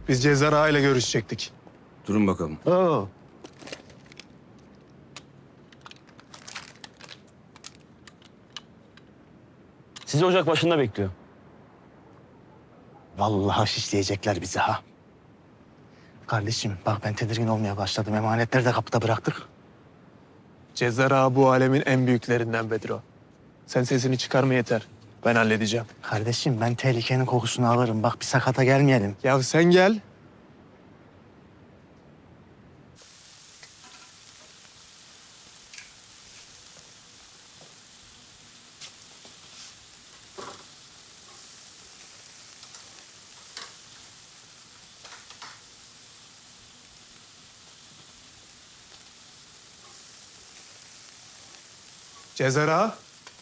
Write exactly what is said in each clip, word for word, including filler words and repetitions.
Biz Cezar Ağa ile görüşecektik. Durun bakalım. Oo. Sizi ocak başında bekliyor. Vallahi şişleyecekler bizi ha. Kardeşim bak ben tedirgin olmaya başladım. Emanetleri de kapıda bıraktık. Cezar Ağa bu alemin en büyüklerinden Bedro. Sen sesini çıkarma yeter. Ben halledeceğim. Kardeşim ben tehlikenin kokusunu alırım. Bak bir sakata gelmeyelim. Ya sen gel. Cezar Ağa.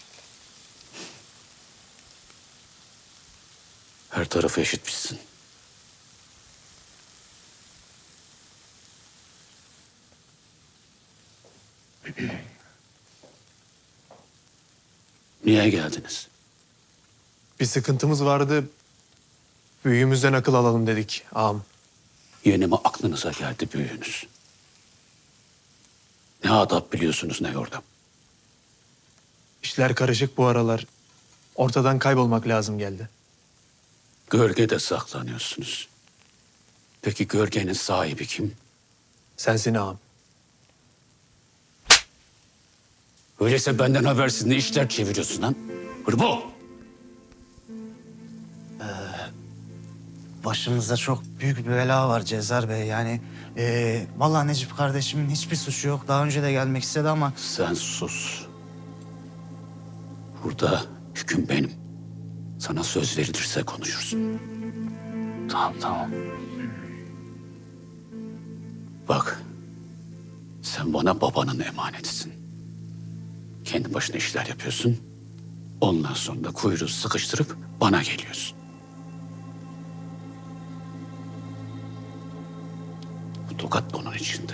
Her tarafı eşitmişsin. Niye geldiniz? Bir sıkıntımız vardı. Büyüğümüzden akıl alalım dedik ağam. Yeni mi aklınıza geldi büyüğünüz? Ne adap biliyorsunuz ne yordam. İşler karışık bu aralar. Ortadan kaybolmak lazım geldi. Gölgede saklanıyorsunuz. Peki gölgenin sahibi kim? Sensin ağam. Öyleyse benden habersiz ne işler çeviriyorsun lan? Hırbo! Başımızda çok büyük bir bela var Cezar Bey. Yani ee, vallahi Necip kardeşimin hiçbir suçu yok. Daha önce de gelmek istedi ama Sen sus. Burada hüküm benim. Sana söz verilirse konuşursun. tamam tamam. Bak, sen bana babanın emanetisin. Kendi başına işler yapıyorsun. Ondan sonra da kuyruğu sıkıştırıp bana geliyorsun. Bu tokat bunun içinde.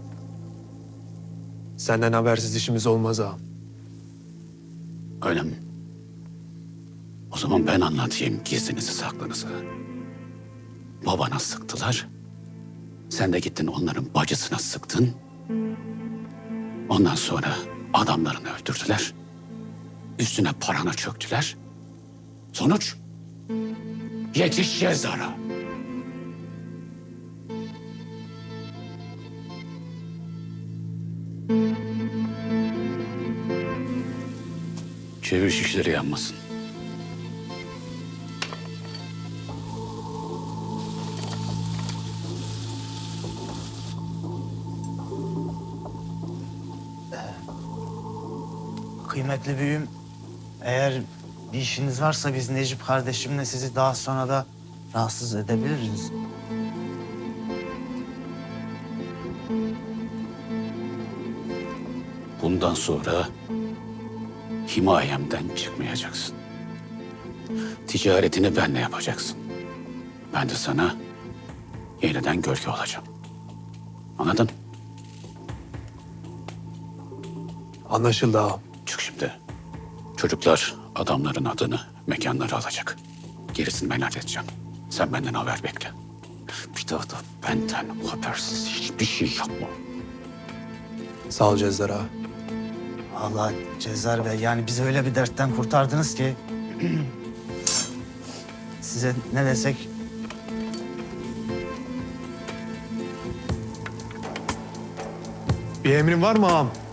Senden habersiz işimiz olmaz ağam. Öyle mi? O zaman ben anlatayım gizlinizi saklınızı. Babana sıktılar. Sen de gittin onların bacısına sıktın. Ondan sonra adamlarını öldürdüler. Üstüne parana çöktüler. Sonuç? Yetiş Cezar'a. Çevir şişleri yanmasın. Kıymetli büyüğüm, eğer bir işiniz varsa biz Necip kardeşimle sizi daha sonra da rahatsız edebiliriz. Bundan sonra himayemden çıkmayacaksın. Ticaretini benle yapacaksın. Ben de sana yeniden gölge olacağım. Anladın? Anlaşıldı ağam. Çık şimdi. Çocuklar adamların adını, mekanları alacak. Gerisini ben halledeceğim. Sen benden haber bekle. Bir daha da benden habersiz hiçbir şey yapma. Sağ ol Cezar Ağa. Vallahi Cezar Bey yani bizi öyle bir dertten kurtardınız ki size ne desek Bir emrin var mı ağam?